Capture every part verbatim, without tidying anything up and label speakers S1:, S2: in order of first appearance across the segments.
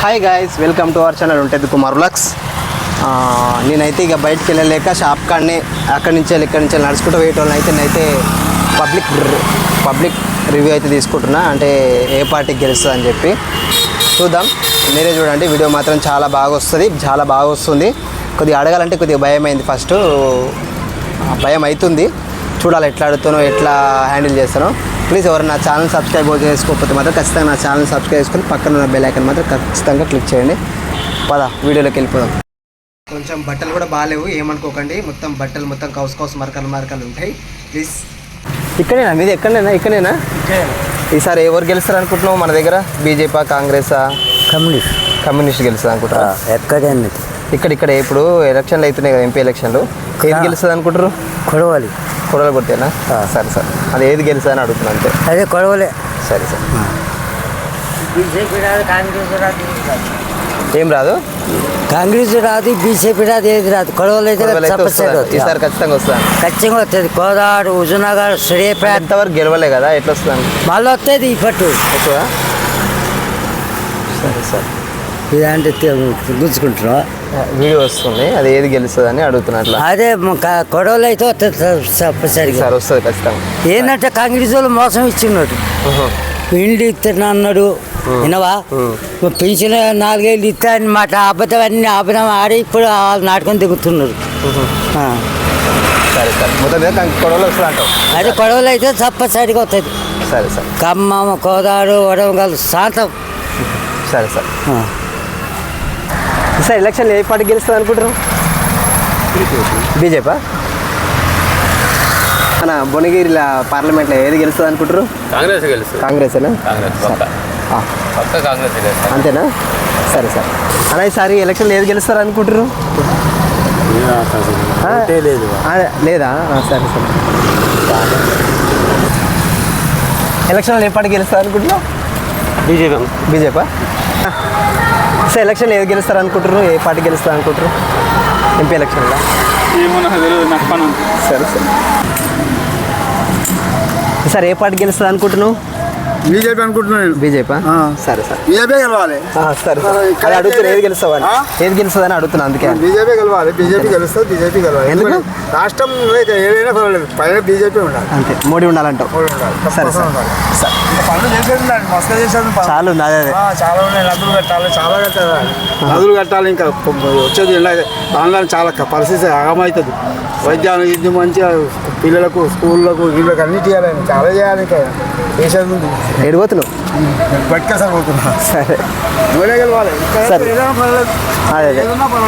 S1: Hi guys, welcome to our channel ఉంటుంది Kumar vlogs. నేనైతే ఇక బయటికి వెళ్ళలేక షాప్ కాడనే అక్కడి నుంచి ఇక్కడి నుంచి నడుచుకుంటూ వేయటోళ్ళని అయితే నేనైతే పబ్లిక్ పబ్లిక్ రివ్యూ అయితే తీసుకుంటున్నా, అంటే ఏ పార్టీకి గెలుస్తుంది అని చెప్పి చూద్దాం. మీరే చూడండి, వీడియో మాత్రం చాలా బాగా వస్తుంది, చాలా బాగా వస్తుంది. కొద్దిగా అడగాలంటే కొద్దిగా భయం అయింది, ఫస్ట్ భయం అవుతుంది. చూడాలి ఎట్లా అడుగుతానో, ఎట్లా హ్యాండిల్ చేస్తానో. ప్లీజ్ ఎవరు నా ఛానల్ సబ్స్క్రైబ్ చేసుకోకపోతే మాత్రం ఖచ్చితంగా నా ఛానల్ సబ్స్క్రైబ్ చేసుకొని పక్కన ఉన్న బెల్ ఐకాన్ మాత్రం ఖచ్చితంగా క్లిక్ చేయండి. పద వీడియోలోకి వెళ్ళిపోదాం. కొంచెం బట్టలు కూడా బాగాలేవు, ఏమనుకోకండి. మొత్తం బట్టలు మొత్తం కౌస్ కౌస్ మరకలు మరకలు ఉంటాయి. ప్లీజ్ ఇక్కడేనా మీది? ఎక్కడైనా ఇక్కడేనా? ఈసారి ఎవరు గెలుస్తారు అనుకుంటున్నావు మన దగ్గర? బీజేపీ, కాంగ్రెసా,
S2: కమ్యూనిస్ట్
S1: కమ్యూనిస్ట్ గెలుస్తుంది అనుకుంటారా?
S2: ఎక్కడైనా
S1: ఇక్కడ ఇక్కడ ఇప్పుడు ఎలక్షన్లు అవుతున్నాయి కదా, ఎంపీ ఎలక్షన్లు. ఏది గెలుస్తుంది అనుకుంటారు?
S2: కొడవలి.
S1: కొడవలి కొట్టేనా? సరే సార్, అది ఏది గెలుస్తుంది అని అడుగుతున్నాను అంతే.
S2: అదే కొడవలే.
S1: సరే సార్.
S2: బీజేపీ రాదు, కాంగ్రెస్ రాదు,
S1: ఏం రాదు?
S2: కాంగ్రెస్ రాదు, బీజేపీ రాదు, ఏది రాదు. కొడవలి అయితే
S1: ఈసారి ఖచ్చితంగా వస్తాను.
S2: ఖచ్చితంగా వస్తుంది. కోదాడు, హుజునగర్, సూర్యాపేట
S1: ఎంతవరకు గెలవలే కదా, ఎట్లా వస్తాను?
S2: మళ్ళీ వస్తుంది ఈ పట్టు
S1: ఎక్కువ. సరే సార్,
S2: ఇదంటే గుంజుకుంటున్నాం.
S1: వీడియో వస్తుంది, అది ఏది గెలుస్తుంది అని అడుగుతున్నట్లు.
S2: అదే కొడవలు అయితే వస్తుంది తప్పనిసరిగా.
S1: సార్ వస్తుంది ఖచ్చితంగా.
S2: ఏంటంటే కాంగ్రెస్ వాళ్ళు మోసం ఇచ్చినట్టు, ఇండ్లు ఇస్తున్నా అన్నాడు, వినవా? పెన్షన్ నాలుగేళ్ళు ఇస్తా అని మాట అబద్ధం అన్ని అబద్ధం ఆడి ఇప్పుడు వాళ్ళు నాటకం దిగుతున్నారు.
S1: సరే సార్, మొత్తం మీద కొడవలు వస్తుంది అంటావు.
S2: అదే కొడవలు అయితే తప్పనిసరిగా వస్తుంది.
S1: సరే సార్.
S2: ఖమ్మం, కోదాడు, వరంగల్ శాంతం.
S1: సరే సార్. సార్ ఎలక్షన్ ఏ పార్టీ గెలుస్తుంది అనుకుంటారు? బీజేపీ. మన భువనగిరి పార్లమెంట్లో ఏది గెలుస్తుంది అనుకుంటారు?
S3: కాంగ్రెస్ గెలుస్తుంది.
S1: కాంగ్రెసేనా? అంతేనా? సరే సార్. అలా ఈసారి ఎలక్షన్లో ఏది గెలుస్తారు అనుకుంటారు? లేదా? సరే సరే. ఎలక్షన్లో ఏ పార్టీ గెలుస్తారు అనుకుంటున్నావు?
S3: బీజేపీ.
S1: బీజేపీ. సార్ ఎలక్షన్ ఏది గెలుస్తారు అనుకుంటారు? ఏ పార్టీ గెలుస్తారు అనుకుంటారు ఎంపీ ఎలక్షన్లో? సరే సరే. సార్ ఏ పార్టీ గెలుస్తుంది అనుకుంటున్నావు?
S4: బీజేపీ అనుకుంటున్నాను.
S1: బీజేపీ. సరే సార్.
S4: బీజేపీ గెలవాలి.
S1: సరే అది అడుగుతున్నా, ఏది గెలుస్తావని ఏది గెలుస్తుందని అడుగుతున్నా, అందుకే.
S4: బీజేపీ గెలవాలి. బీజేపీ గెలుస్తుంది. బీజేపీ గెలవాలి. ఎందుకు? రాష్ట్రంలో ఏదైనా పర్వాలేదు, పైన బీజేపీ ఉండాలి.
S1: అంతే, మోడీ ఉండాలంటావు. సరే సార్.
S4: పనులు చేసేది ఉండాలి, మస్తు చేసేది
S1: చాలా ఉంది. అదే అదే
S4: చాలా ఉన్నాయి. నదులు కట్టాలి, చాలా కట్టాలి, నదులు కట్టాలి. ఇంకా వచ్చేది ఆన్లైన్ చాలా పరిస్థితి ఆగమవుతుంది. వైద్యాన్ని ఇది మంచిగా పిల్లలకు, స్కూళ్ళకు, వీళ్ళకి అన్ని చేయాలి, చాలా చేయాలి. ఇంకా చేసేది ఉంది.
S1: ఎడిపోతున్నావు?
S4: బట్కా సార్ పోతున్నా.
S1: సరే
S4: నువ్వే గెలవాలి.
S1: సరే. అదే అదే.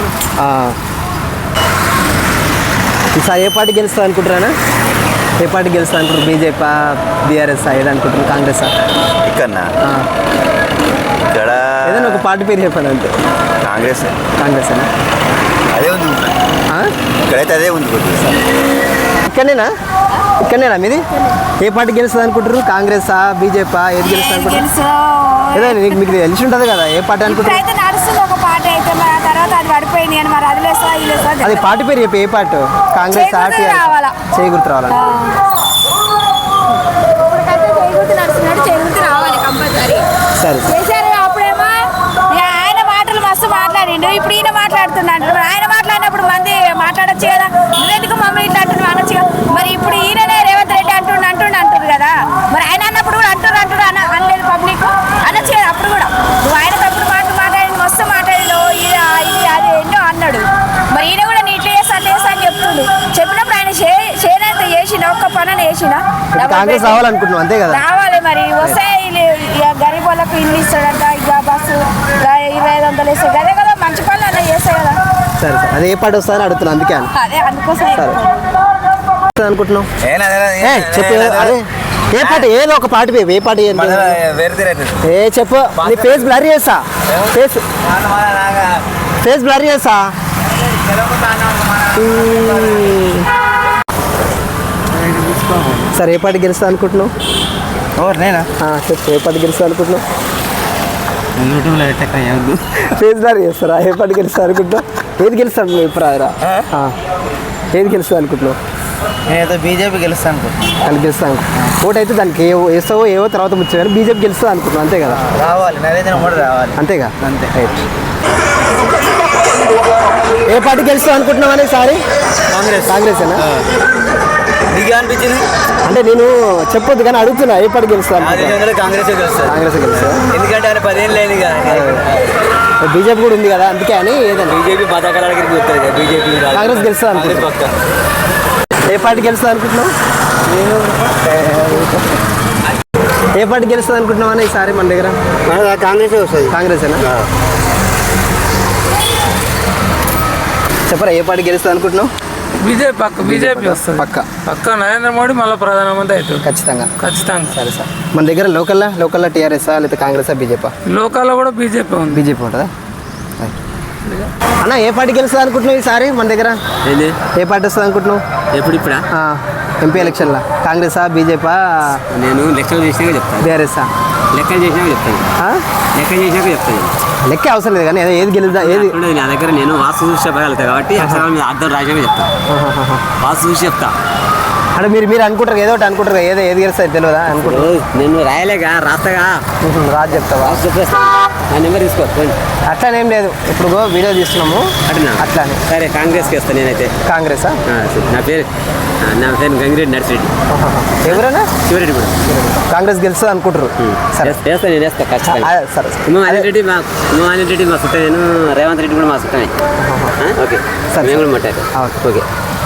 S1: ఈసారి ఏ పార్టీ గెలుస్తుంది అనుకుంటారా? ఏ పార్టీ గెలుస్తుంది అనుకుంటారు? బీజేపీ, బీఆర్ఎస్, ఏది అనుకుంటారు? కాంగ్రెస్?
S5: ఇక్కడ ఇక్కడ
S1: ఏదైనా ఒక పార్టీ పేరు చెప్పాను అంతే.
S5: కాంగ్రెస్.
S1: కాంగ్రెస్ అనా?
S5: అదే ఉంది ఇక్కడైతే, అదే ఉంది.
S1: ఇక్కడనేనా? ఇక్కడనేనా మీది? ఏ పార్టీ గెలుస్తుంది అనుకుంటారు? కాంగ్రెసా, బీజేపీ, ఏది గెలుస్తుంది అనుకుంటారు? ఏదో నీకు మీకు తెలిసి ఉంటుంది కదా, ఏ పార్టీ అనుకుంటారు? అది పార్టీ పేరు చెప్పి, ఏ పార్టీ? కాంగ్రెస్, చేయి గుర్తు రావాలని. సరే
S6: ఆయన మాటలు మస్తు మాట్లాడిండు, ఇప్పుడు ఈయన మాట్లాడుతున్నాడు. ఆయన మాట్లాడినప్పుడు మంది మాట్లాడచ్చు కదా, ఎందుకు మమ్మల్ని ఇట్లా అంటున్నావు అనొచ్చు కదా. మరి ఇప్పుడు ఈయననే రేవంత్ రెడ్డి అంటుండు అంటుండు అంటారు కదా, మరి ఆయన అన్నప్పుడు కూడా అంటారు అంటారు అన్న అనలేదు పబ్లిక్ అనొచ్చు కదా. అప్పుడు కూడా నువ్వు ఆయన తప్పుడు మాటలు మాట్లాడి మస్తు మాట్లాడిండు, ఇది ఇది అది ఎన్నో అన్నాడు. మరి ఈయన కూడా నీ ఇట్లా చేస్తా అట్లా చేస్తా అని చెప్తుంది. చెప్పినప్పుడు ఆయన చేనంత చేసిన ఒక్క పని చేసిన
S1: కాంగ్రెస్ రావాలనుకుంటున్నావు అంతే కదా?
S6: రావాలి. మరి వస్తే గరీబ్ వాళ్ళకు ఇల్లు ఇస్తాడంట, ఇక బస్సు ఇరవై ఐదు వందలు ఇస్తాడు, అదే కదా మంచి పనులు అలా చేస్తాయి కదా.
S1: సరే సరే. అది ఏ పార్టీ వస్తుందని అడుగుతున్నా, అందుకే.
S6: అదే అందుకోసం
S1: అనుకుంటున్నావు? చెప్పు. అదే ఏ పార్టీ? ఏదో ఒక పార్టీ పేరు, ఏ పార్టీ? ఏ చెప్పు. నీ ఫేస్ బ్లర్ చేస్తా, ఫేస్ ఫేస్ బ్లర్ చేస్తా. సరే ఏ పార్టీ గెలుస్తా అనుకుంటున్నావు?
S2: నేనా?
S1: చెప్పు, ఏ పార్టీ గెలుస్తా అనుకుంటున్నావు? ఫేస్ బ్లర్ చేస్తారా? ఏ పార్టీ గెలుస్తా అనుకుంటున్నావు? ఏది గెలుస్తాను ఇప్పుడు? ఏది గెలుస్తా అనుకుంటున్నావు?
S2: నేనైతే బీజేపీ గెలుస్తాను అనుకుంటున్నాను.
S1: దానికి గెలుస్తాను ఓటు అయితే దానికి ఏ వేస్తావో ఏవో తర్వాత ముచ్చే కానీ బీజేపీ గెలుస్తుంది అనుకుంటున్నాను అంతే కదా.
S2: రావాలి, నరేంద్ర మోడీ రావాలి.
S1: అంతేగా.
S2: అంతే.
S1: రైట్. ఏ పార్టీ గెలుస్తాం అనుకుంటున్నావు అని సారీ?
S2: కాంగ్రెస్.
S1: కాంగ్రెసేనా?
S2: నీకు అనిపించింది?
S1: అంటే నేను చెప్పొద్దు కానీ అడుగుతున్నా ఏ పార్టీ గెలుస్తా
S2: కాంగ్రెస్ గెలుస్తుంది.
S1: కాంగ్రెస్ గెలుస్తా.
S2: ఎందుకంటే ఆయన పదేళ్ళు లేదు
S1: బీజేపీ కూడా ఉంది కదా అందుకే అని ఏదండి
S2: బీజేపీ పథకాల దగ్గరికి వస్తుంది కదా బీజేపీ.
S1: కాంగ్రెస్ గెలుస్తా అనుకుంటున్నా. ఏ పార్టీ గెలుస్తా అనుకుంటున్నావు? నేను ఏ పార్టీ గెలుస్తుంది అనుకుంటున్నావు అని ఈసారి మన దగ్గర?
S4: కాంగ్రెస్ వస్తుంది.
S1: కాంగ్రెసేనా? చెప్పరా ఏ పార్టీ గెలుస్తుంది అనుకుంటున్నావు?
S7: బీజేపీ పక్క బీజేపీ వస్తుంది
S1: పక్క
S7: పక్క నరేంద్ర మోడీ మళ్ళీ ప్రధానమంత్రి అవుతుంది
S1: ఖచ్చితంగా.
S7: ఖచ్చితంగా.
S1: సరే సార్ మన దగ్గర లోకల్లా లోకల్లా టీఆర్ఎస్ఆ లేకపోతే కాంగ్రెసా బీజేపీ?
S7: లోకాల్లో కూడా బీజేపీ ఉంది.
S1: బీజేపీ ఉంటుందా? అన్న ఏ పార్టీ గెలుస్తుంది అనుకుంటున్నావు ఈసారి మన దగ్గర?
S3: ఏంది
S1: ఏ పార్టీ వస్తుంది అనుకుంటున్నావు
S3: ఎప్పుడు ఇప్పుడా?
S1: ఎంపీ ఎలక్షన్లో? కాంగ్రెసా బీజేపీ
S3: నేను లెక్కలు చేసినాక చెప్తాను.
S1: బీఆర్ఎస్ఆ?
S3: లెక్కలు చేసినాక చెప్తాను. లెక్క చేసినాక చెప్తాను.
S1: లెక్కే అవసరం లేదు కానీ ఏది గెలుద్దా ఏది?
S3: ఉండదు నా దగ్గర. నేను వాస్తు చూసి చెప్పగలుగుతా కాబట్టి అక్షరాల మీద అర్థం రాసినాక చెప్తాను. వాస్తు చూసి చెప్తా.
S1: అంటే మీరు మీరు అనుకుంటారు ఏదో ఒకటి అనుకుంటారు ఏదో ఏది గెలుస్తుంది తెలియదా అనుకుంటారు?
S3: నేను రాయలేగా రాస్తాగా
S1: రాజు చెప్తావా?
S3: వాస్తు చెప్పేస్తా. నా నెంబర్ తీసుకో.
S1: అట్లానేం లేదు ఇప్పుడు వీడియో తీస్తున్నాము
S3: అట్లా
S1: అట్లానే.
S3: సరే కాంగ్రెస్కి వేస్తాను నేనైతే.
S1: కాంగ్రెసా?
S3: ఆ, సరే. నా పేరు నా పేరు గంగిరెడ్డి నర్సిరెడ్డి.
S1: ఎవరైనా
S3: శివరెడ్డి కూడా
S1: కాంగ్రెస్ గెలుస్తుంది అనుకుంటారు. సరే
S3: వేస్తా నేను వేస్తా ఖచ్చితంగా.
S1: ఆ, సరే
S3: ఉమా ఆనంద్ రెడ్డి మా ఉమా ఆనంద్ రెడ్డి మా సుట్ట. నేను రేవంత్ రెడ్డి కూడా మా సుట్టమే. ఓకే
S1: సరే.
S3: మేము కూడా మాట్లాడు.
S1: ఓకే.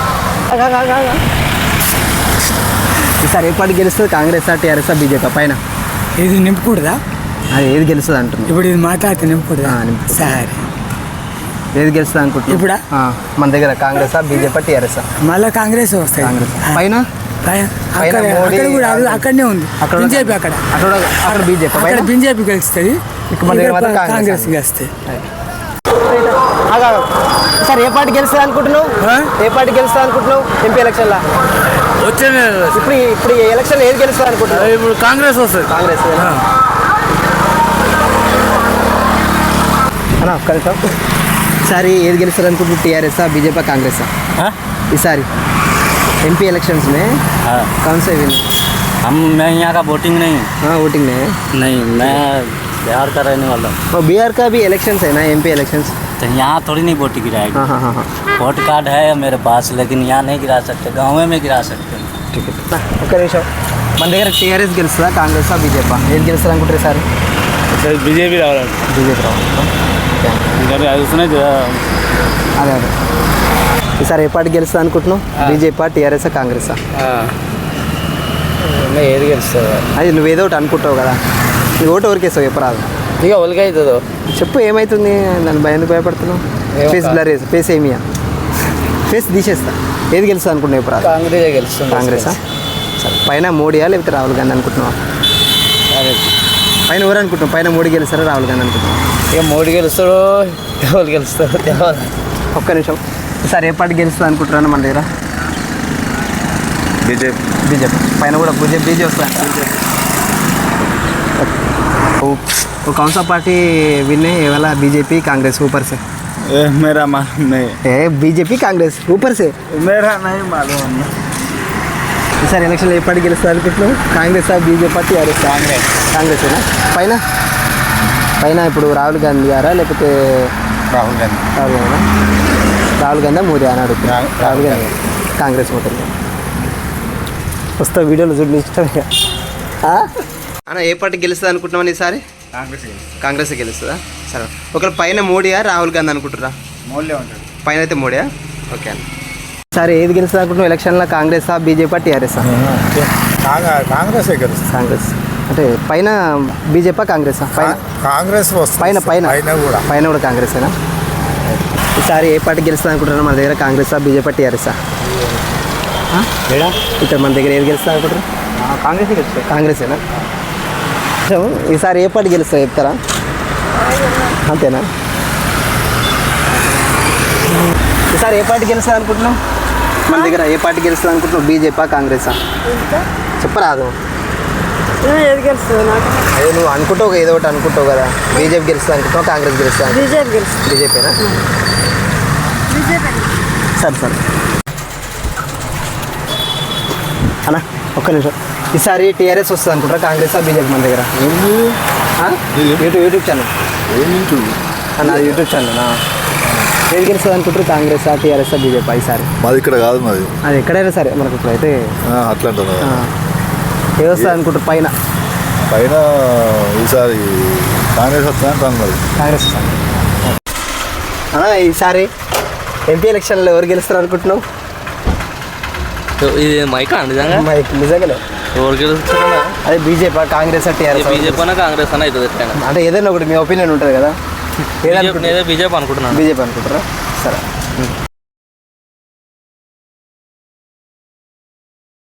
S1: ఈసారి ఏ పార్టీ గెలుస్తుంది? కాంగ్రెసా టీఆర్ఎస్ఆ బీజేపీ పైన?
S2: ఇది నింపకూడదా?
S1: అది ఏది గెలుస్తుంది అంటుంది.
S2: ఇప్పుడు ఇది మాట్లాడితే నింపకూడదా?
S1: ఆ, నింపుకూడదు.
S2: సరే
S1: ఏది గెలుస్తుంది అనుకుంటున్నా?
S2: ఇప్పుడా?
S1: మన దగ్గర కాంగ్రెసా బీజేపీ టీఆర్ఎస్ఆ?
S2: మళ్ళీ కాంగ్రెస్ వస్తాయి.
S1: కాంగ్రెస్ పైన
S2: పైన
S1: పైన
S2: అక్కడ
S1: మోడీ
S2: అక్కడ కూడా అది అక్కడనే ఉంది.
S1: అక్కడ
S2: బీజేపీ అక్కడ
S1: అక్కడ అక్కడ బీజేపీ
S2: అక్కడ
S1: పైన
S2: బీజేపీ గెలుస్తుంది.
S1: ఇక్కడ మన దగ్గర మాత్రం కాంగ్రెస్.
S2: కాంగ్రెస్ గెలుస్తాయి.
S1: సార్ ఏ పార్టీ గెలుస్తుంది అనుకుంటున్నావు? ఏ పార్టీ గెలుస్తుంది అనుకుంటున్నావు ఎంపీ ఎలక్షన్లో?
S7: వచ్చే
S1: ఇప్పుడు ఇప్పుడు ఈ ఎలక్షన్ ఏది గెలుస్తుంది అనుకుంటున్నావు?
S7: ఇప్పుడు కాంగ్రెస్ వస్తుంది.
S1: కాంగ్రెస్ అన్న ఒక్క నిమిషం. ఈసారి ఏది గెలుస్తుంది అనుకుంటున్నావు? టీఆర్ఎస్ఆ బీజేపీ కాంగ్రెసా? ఈసారి एमपी इलेक्शंस में
S8: हाँ।
S1: कौन से विन?
S8: हम मैं यहाँ का वोटिंग नहीं हूँ।
S1: हाँ वोटिंग में
S8: नहीं, मैं बिहार का रहने वाला हूँ।
S1: और बिहार का भी इलेक्शंस है ना, एमपी इलेक्शंस?
S8: तो यहाँ थोड़ी नहीं वोट गिराएगी।
S1: हाँ हाँ हाँ हाँ
S8: वोट कार्ड है मेरे पास, लेकिन यहाँ नहीं गिरा सकते, गाँव में गिरा सकते हैं।
S1: ठीक है ఒక్క నిమిషం. మన దగ్గర టీఆర్ఎస్ గెలుస్తుందా కాంగ్రెస్ బీజేపీ ఏది గెలుస్తుంది అనుకుంటారు సార్?
S7: బీజేపీ రావాలి.
S1: బీజేపీ రావాలి.
S7: అది వస్తున్నాయి
S1: అదే అదే ఈసారి ఏ పార్టీ గెలుస్తుంది అనుకుంటున్నావు? BJP TRS Congress?
S2: ఏది గెలుస్తుంది?
S1: అది నువ్వు ఏదో ఒకటి అనుకుంటావు కదా, నీ ఓటు ఎవరికేస్తావు చెప్పరాదు.
S2: ఇక ఒలికి అవుతుందో
S1: చెప్పు ఏమవుతుంది, నన్ను భయం ఎందుకు భయపడుతున్నావు? ఫేస్ బ్లర్ వేసి ఫేస్ ఏమియా ఫేస్ తీసేస్తా. ఏది గెలుస్తుంది అనుకుంటున్నావు చెప్పరాదు?
S2: కాంగ్రెస్ గెలుస్తుంది.
S1: కాంగ్రెసా? సరే పైన మోడీయా లేకపోతే రాహుల్ గాంధీ అనుకుంటున్నావా? పైన ఎవరు అనుకుంటున్నావు? పైన మోడీ గెలుస్తారా రాహుల్ గాంధీ అనుకుంటున్నావు?
S2: ఇక మోడీ గెలుస్తాడో ఎవరు గెలుస్తాడో తెలియదు.
S1: ఒక్క నిమిషం. ఈసారి ఏ పార్టీ గెలుస్తుంది అనుకుంటున్నాను మన దగ్గర?
S5: बीजेपी
S1: बीजेपी पहले पूरा बीजेपी बीजेपी होता है. वो वो कौन सा पार्टी विन है ये वाला? बीजेपी कांग्रेस ऊपर से?
S5: ए, मेरा मालूम नहीं
S1: ए बीजेपी कांग्रेस ऊपर से
S5: मेरा नहीं मालूम
S1: सर इलेक्शन ఏ పార్టీ గెలుస్తారు అనుకుంటున్నావు? Congress BJP TRS? కాంగ్రెస్. కాంగ్రెసేనా? పైన పైన ఇప్పుడు రాహుల్ గాంధీ గారా లేకపోతే
S5: राहुल गांधी
S1: రాహుల్ గాంధీ రాహుల్ గాంధీ మోదీ అని అడుగుతున్నా. రాహుల్ గాంధీ కాంగ్రెస్ ఓటుంది. వస్తా వీడియోలో చూడండి ఇష్టంగా. అన్న ఏ పార్టీ గెలుస్తుంది అనుకుంటున్నామని ఈసారి?
S5: కాంగ్రెస్
S1: కాంగ్రెస్ గెలుస్తుందా? సరే ఒకవేళ పైన మోడీయా రాహుల్ గాంధీ అనుకుంటురా?
S5: మోడీ ఉంటాడు
S1: పైన అయితే మోడీయా? ఓకే అన్న. సరే ఏది గెలుస్తుంది అనుకుంటున్నావు ఎలక్షన్లో? కాంగ్రెసా బీజేపీ టీఆర్ఎస్ఆ?
S5: కాంగ్రెస్ గెలుస్తుంది
S1: కాంగ్రెస్ అంటే పైన బీజేపీ కాంగ్రెసా? పైన
S5: కాంగ్రెస్
S1: పైన పైన
S5: పైన కూడా
S1: పైన కూడా కాంగ్రెసేనా? ఈసారి ఏ పార్టీ గెలుస్తుంది అనుకుంటున్నా మన దగ్గర? కాంగ్రెసా బీజేపీ టీఆర్ఎస్ఆ? ఇక్కడ మన దగ్గర ఏది గెలుస్తుంది అనుకుంటారు?
S2: కాంగ్రెస్ గెలుస్తుంది.
S1: కాంగ్రెసేనా? సో ఈసారి ఏ పార్టీ గెలుస్తుందో చెప్తారా? అంతేనా? ఈసారి ఏ పార్టీ గెలుస్తుంది అనుకుంటున్నావు మన దగ్గర? ఏ పార్టీ గెలుస్తుంది అనుకుంటున్నావు? బీజేపీ కాంగ్రెసా? చెప్పరాదు.
S6: ఏది గెలుస్తుంది నాకు?
S1: అదే నువ్వు అనుకుంటావు ఏదో ఒకటి అనుకుంటావు కదా. బీజేపీ గెలుస్తుంది అనుకుంటావు, కాంగ్రెస్ గెలుస్తుంది?
S6: బీజేపీ గెలుస్తుంది.
S1: బీజేపీనా?
S6: బీజేపీ
S1: సరే సరే అన్న ఒక్క నిమిషం ఈసారి టీఆర్ఎస్ వస్తుంది అనుకుంటారా కాంగ్రెస్ బీజేపీ మన దగ్గర ఆ? యూట్యూబ్ యూట్యూబ్ ఛానల్ అన్న అది యూట్యూబ్ ఛానల్ ఏది గెలుస్తుంది అనుకుంటారు కాంగ్రెస్ టీఆర్ఎస్ బీజేపీ ఈసారి
S5: మాది ఇక్కడ కాదు మాది
S1: అది ఎక్కడైనా సరే మనకు ఇప్పుడైతే
S5: అట్లా అంటారు
S1: ఆ, ఏది వస్తుంది అనుకుంటారు పైన
S5: పైన ఈసారి కాంగ్రెస్ వస్తాను మరి
S1: కాంగ్రెస్ వస్తుంది అన్న ఈసారి ఎంపీ ఎలక్షన్లో ఎవరు గెలుస్తారు అనుకుంటున్నావు
S3: ఇది మైకా నిజంగా
S1: మైక్ నిజంగానే
S3: ఎవరు గెలుస్తారన్నా
S1: అదే బీజేపీ కాంగ్రెస్ టీఆర్ఎస్
S3: బీజేపీ అన్నా కాంగ్రెస్ అన్న అవుతుంది ఎట్లయినా
S1: అంటే ఏదైనా ఒకటి మీ ఒపీనియన్ ఉంటుంది కదా ఏదైనా
S3: నేనే బీజేపీ అనుకుంటున్నాను
S1: బీజేపీ అనుకుంటారా సరే